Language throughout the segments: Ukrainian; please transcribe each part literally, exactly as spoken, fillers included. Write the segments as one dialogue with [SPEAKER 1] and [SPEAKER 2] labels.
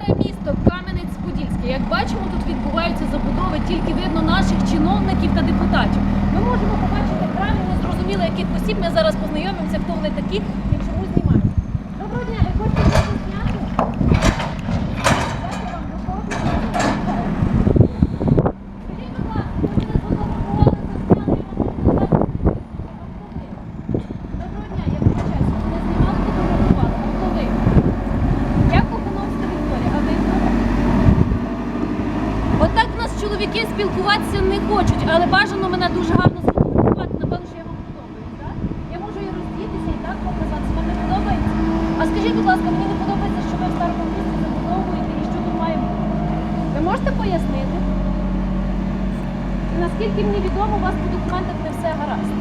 [SPEAKER 1] Старе місто Кам'янець-Подільський. Як бачимо, тут відбуваються забудови, тільки видно наших чиновників та депутатів. Ми можемо побачити правильно, незрозуміло, яких осіб. Ми зараз познайомимося, хто вони такі і чому знімають. Доброго дня, ви хочете щось зняти? Дякую вам, до кого? Скажіть, будь ласка, ви мене сфотографували, засняли, я вам не знаю. Доброго дня, я вибачаюся, ви мене знімали, фотографували. А хто ви? Я Кохановська Вікторія, а ви? Отак в нас чоловіки спілкуватися не хочуть, але бажано мене дуже гарно сфотографувати. Напевно, що я вам подобаюсь, так? Я можу і роздітися, і так показати. Вам не подобається? А скажіть, будь ласка, мені не подобається, що ви в старому місці забудовуєте і що тут має бути. Ви можете пояснити? Наскільки мені відомо, у вас по документах не все гаразд.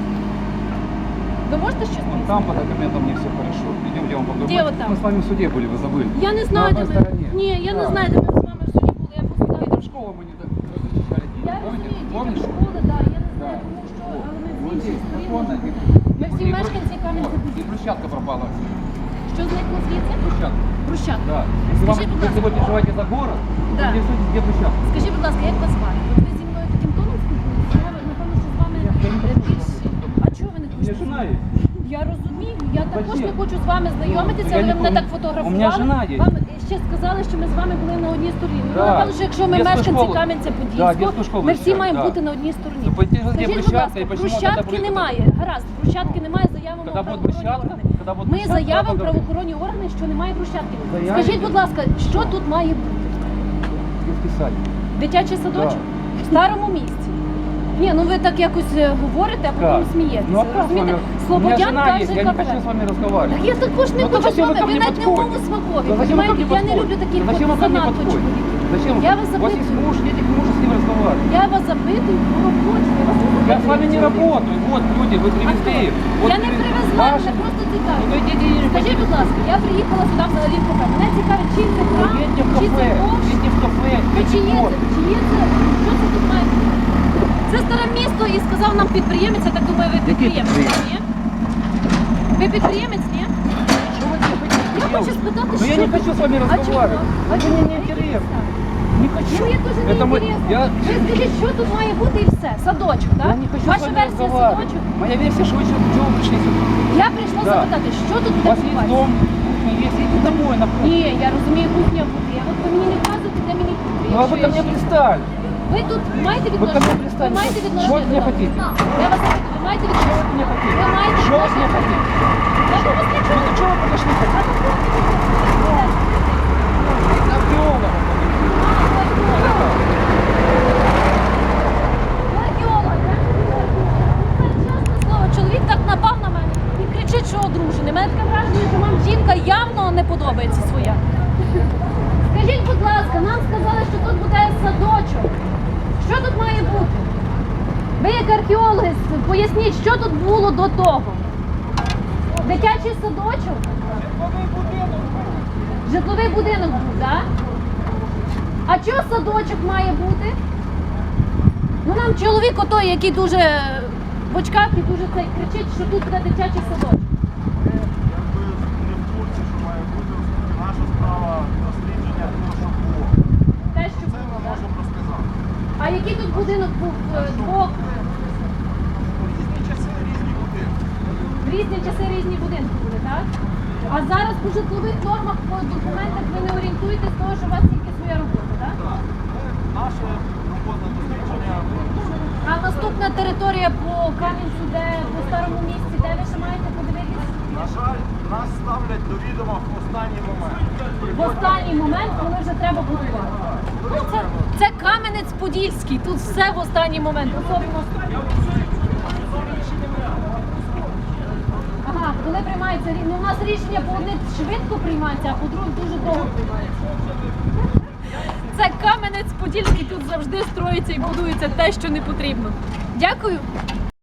[SPEAKER 1] Ви можете щось
[SPEAKER 2] Вон
[SPEAKER 1] пояснити?
[SPEAKER 2] там по документам не все хорошо. Идем, я вам покажу.
[SPEAKER 1] Где вот там?
[SPEAKER 2] Мы с вами в суде были, вы забыли.
[SPEAKER 1] Я не знаю,
[SPEAKER 2] На
[SPEAKER 1] де
[SPEAKER 2] одной
[SPEAKER 1] ми...
[SPEAKER 2] стороне.
[SPEAKER 1] Ні, я не
[SPEAKER 2] Да.
[SPEAKER 1] знаю, де ми з вами в суді були. Я просто
[SPEAKER 2] Это в школу мы не до- защищали.
[SPEAKER 1] Я
[SPEAKER 2] Помните?
[SPEAKER 1] розумію, дітям
[SPEAKER 2] Помнишь?
[SPEAKER 1] школи, да, я не
[SPEAKER 2] Да.
[SPEAKER 1] знаю, тому що, але ми
[SPEAKER 2] Вот
[SPEAKER 1] всі
[SPEAKER 2] здесь,
[SPEAKER 1] сторін.
[SPEAKER 2] законно. И-
[SPEAKER 1] Ми всі
[SPEAKER 2] и- и
[SPEAKER 1] мешканці
[SPEAKER 2] брус-
[SPEAKER 1] Кам'янця-Подільського.
[SPEAKER 2] И брусчатка пропала.
[SPEAKER 1] Що зникло звідси?
[SPEAKER 2] Брусчатка.
[SPEAKER 1] Брусчатка.
[SPEAKER 2] Да. Если, вам,
[SPEAKER 1] Скажіть, будь
[SPEAKER 2] если
[SPEAKER 1] ласка.
[SPEAKER 2] вы переживаете за город,
[SPEAKER 1] Да.
[SPEAKER 2] то интересуйтесь, где брусчатка.
[SPEAKER 1] Скажіть, будь ласка, як вас звати? От ви зі мною таким тоном спілкуєтеся? Я, напевно, що з вами
[SPEAKER 2] Я- я не
[SPEAKER 1] е,
[SPEAKER 2] хочу
[SPEAKER 1] більш...
[SPEAKER 2] з вами.
[SPEAKER 1] А чого ви не
[SPEAKER 2] У меня
[SPEAKER 1] хочете?
[SPEAKER 2] жена есть.
[SPEAKER 1] Я розумію, я також
[SPEAKER 2] Зачем?
[SPEAKER 1] не хочу з вами знайомитися,
[SPEAKER 2] Ну, я
[SPEAKER 1] але ви
[SPEAKER 2] не
[SPEAKER 1] мене
[SPEAKER 2] пом-
[SPEAKER 1] так фотографували.
[SPEAKER 2] У мене жена є.
[SPEAKER 1] Вам ще сказали, що ми з вами були на одній стороні. Ну,
[SPEAKER 2] Да.
[SPEAKER 1] напевно, що якщо ми
[SPEAKER 2] Детскую
[SPEAKER 1] мешканці
[SPEAKER 2] школу. Да,
[SPEAKER 1] Кам'янця-Подільського,
[SPEAKER 2] детскую школу
[SPEAKER 1] ми всі
[SPEAKER 2] защищали,
[SPEAKER 1] маємо
[SPEAKER 2] да.
[SPEAKER 1] бути на одній стороні.
[SPEAKER 2] Ну, пойди, где
[SPEAKER 1] Скажіть, будь
[SPEAKER 2] брусчатка,
[SPEAKER 1] ласка,
[SPEAKER 2] и почему
[SPEAKER 1] брусчатки
[SPEAKER 2] тогда будет-
[SPEAKER 1] немає. Гаразд, брусчатки немає, заявимо
[SPEAKER 2] Когда
[SPEAKER 1] в
[SPEAKER 2] будет
[SPEAKER 1] правоохоронні
[SPEAKER 2] брусчатка,
[SPEAKER 1] органи.
[SPEAKER 2] когда будет
[SPEAKER 1] Ми
[SPEAKER 2] брусчатка,
[SPEAKER 1] заявимо в
[SPEAKER 2] поговорим.
[SPEAKER 1] правоохоронні органи, що немає брусчатки.
[SPEAKER 2] Заявите.
[SPEAKER 1] Скажіть, будь ласка, що тут має бути?
[SPEAKER 2] Детский садик.
[SPEAKER 1] Дитячий садочок? В старому місці? Ні, ну ви так якось е, говорите, а потім
[SPEAKER 2] Как?
[SPEAKER 1] смієтеся.
[SPEAKER 2] Ну а как с
[SPEAKER 1] Розумієте?
[SPEAKER 2] вами? У меня
[SPEAKER 1] Слободян
[SPEAKER 2] жена
[SPEAKER 1] каже
[SPEAKER 2] есть, я не
[SPEAKER 1] кафе.
[SPEAKER 2] хочу с вами разговаривать.
[SPEAKER 1] Так я також не
[SPEAKER 2] Ну, то
[SPEAKER 1] хочу з
[SPEAKER 2] зачем вы
[SPEAKER 1] вами,
[SPEAKER 2] ко
[SPEAKER 1] ви
[SPEAKER 2] мне
[SPEAKER 1] навіть не
[SPEAKER 2] подходите?
[SPEAKER 1] умову смакові.
[SPEAKER 2] Да зачем вы ко мне
[SPEAKER 1] Понимаєте, я не люблю
[SPEAKER 2] подходите?
[SPEAKER 1] таких
[SPEAKER 2] Да зачем вы ко мне
[SPEAKER 1] занадто
[SPEAKER 2] подходите?
[SPEAKER 1] чоловіків.
[SPEAKER 2] Зачем?
[SPEAKER 1] Я вас
[SPEAKER 2] У вас
[SPEAKER 1] запитую.
[SPEAKER 2] есть муж, идите к мужу с ним разговаривать.
[SPEAKER 1] Я вас запитую по роботі. Я, вас не
[SPEAKER 2] Я с вами не
[SPEAKER 1] запитую.
[SPEAKER 2] работаю. Вот люди, вы привезли их. Вот
[SPEAKER 1] Я не
[SPEAKER 2] привез-
[SPEAKER 1] привезла,
[SPEAKER 2] Ваши-
[SPEAKER 1] мене просто цікаво.
[SPEAKER 2] Ну идите и
[SPEAKER 1] Скажіть, будь ласка, я приїхала сюди взагалі в кафе. Мене цікавить, чий це храм,
[SPEAKER 2] Едьте в
[SPEAKER 1] чи це
[SPEAKER 2] кафе,
[SPEAKER 1] ковш,
[SPEAKER 2] идите в кафе,
[SPEAKER 1] чи
[SPEAKER 2] идите
[SPEAKER 1] є
[SPEAKER 2] в
[SPEAKER 1] це,
[SPEAKER 2] город.
[SPEAKER 1] чи є це, що це тут має бути? Це старе місто і сказав нам підприємець, я так думаю, ви підприємець,
[SPEAKER 2] підприємець?
[SPEAKER 1] ні? Ви підприємець, ні?
[SPEAKER 2] Что вы мне хотите
[SPEAKER 1] Я хочу
[SPEAKER 2] делать?
[SPEAKER 1] спитати,
[SPEAKER 2] Но
[SPEAKER 1] що...
[SPEAKER 2] я не хочу с вами
[SPEAKER 1] А чому?
[SPEAKER 2] разговаривать.
[SPEAKER 1] А
[SPEAKER 2] Это
[SPEAKER 1] чому?
[SPEAKER 2] мне не интересно. Не хочу.
[SPEAKER 1] Ну, я дуже не
[SPEAKER 2] Это мы-
[SPEAKER 1] інтересно.
[SPEAKER 2] я-
[SPEAKER 1] Ви скажіть, що тут має бути і все? Садочок, так?
[SPEAKER 2] Я не хочу с
[SPEAKER 1] Ваша
[SPEAKER 2] вами
[SPEAKER 1] версія
[SPEAKER 2] разговаривать.
[SPEAKER 1] садочок?
[SPEAKER 2] Моя версия, что вы что, чего вы пришли сюда?
[SPEAKER 1] Я прийшла
[SPEAKER 2] Да.
[SPEAKER 1] запитати, що тут
[SPEAKER 2] У
[SPEAKER 1] буде
[SPEAKER 2] вас есть
[SPEAKER 1] відбуватися?
[SPEAKER 2] дом, кухня есть, идите домой на кухню.
[SPEAKER 1] Ні, я розумію, кухня буде. От ви мені не вказуєте, де мені кухня.
[SPEAKER 2] Ну а вы ко мне пристали.
[SPEAKER 1] Ви тут маєте
[SPEAKER 2] Ви ко
[SPEAKER 1] відношення?
[SPEAKER 2] мне
[SPEAKER 1] Ви
[SPEAKER 2] пристали.
[SPEAKER 1] маєте
[SPEAKER 2] Що
[SPEAKER 1] відношення?
[SPEAKER 2] ви мені
[SPEAKER 1] до
[SPEAKER 2] хотіте?
[SPEAKER 1] нас? Я вас запитую, ви маєте
[SPEAKER 2] Что вы
[SPEAKER 1] відношення?
[SPEAKER 2] мне хотите?
[SPEAKER 1] Ви маєте
[SPEAKER 2] Что вы мне
[SPEAKER 1] відношення?
[SPEAKER 2] хотите?
[SPEAKER 1] Я до вас нічого
[SPEAKER 2] Ну
[SPEAKER 1] не
[SPEAKER 2] чего вы подошли?
[SPEAKER 1] А то хлопці будуть.
[SPEAKER 2] На археолога.
[SPEAKER 1] Археолог, я чесне слово, чоловік так напав на мене і кричить, що одружений. Мене таке враження, що вам жінка явно не подобається своя. Скажіть, будь ласка, нам сказали, що тут буде садочок. Що тут має бути? Ви як археологи, поясніть, що тут було до того? Дитячий садочок? Житловий будинок був, так? А чого садочок має бути? Ну нам чоловік отой, який дуже в очках і дуже цей кричить, що тут буде дитячий садочок.
[SPEAKER 3] Якби не в курсі, що має бути, наша справа дослідження того, що було.
[SPEAKER 1] Те, що
[SPEAKER 3] Це ми
[SPEAKER 1] було, так?
[SPEAKER 3] можемо розказати.
[SPEAKER 1] А який тут будинок був е, двох?
[SPEAKER 3] У різні часи різні будинки.
[SPEAKER 1] В різні часи різні будинки були, так? А зараз по житлових нормах, по документах ви не орієнтуєтесь того, що у вас тільки своя робота, так?
[SPEAKER 3] Так. Ми, наша робота дослідження.
[SPEAKER 1] А наступна територія по Кам'янцю, де по старому місці, де ви ще маєте подивитися?
[SPEAKER 3] На жаль, нас ставлять до відома в останній момент.
[SPEAKER 1] В останній момент, коли вже треба будувати. Ну, це, це Кам'янець-Подільський, тут все в останній момент. Особливо... Ага, коли приймається рішення. Ну, у нас рішення по одне швидко приймається, а по друге дуже довго приймається. Це Кам'янець-Подільський, тут завжди строїться і будується те, що не потрібно. Дякую.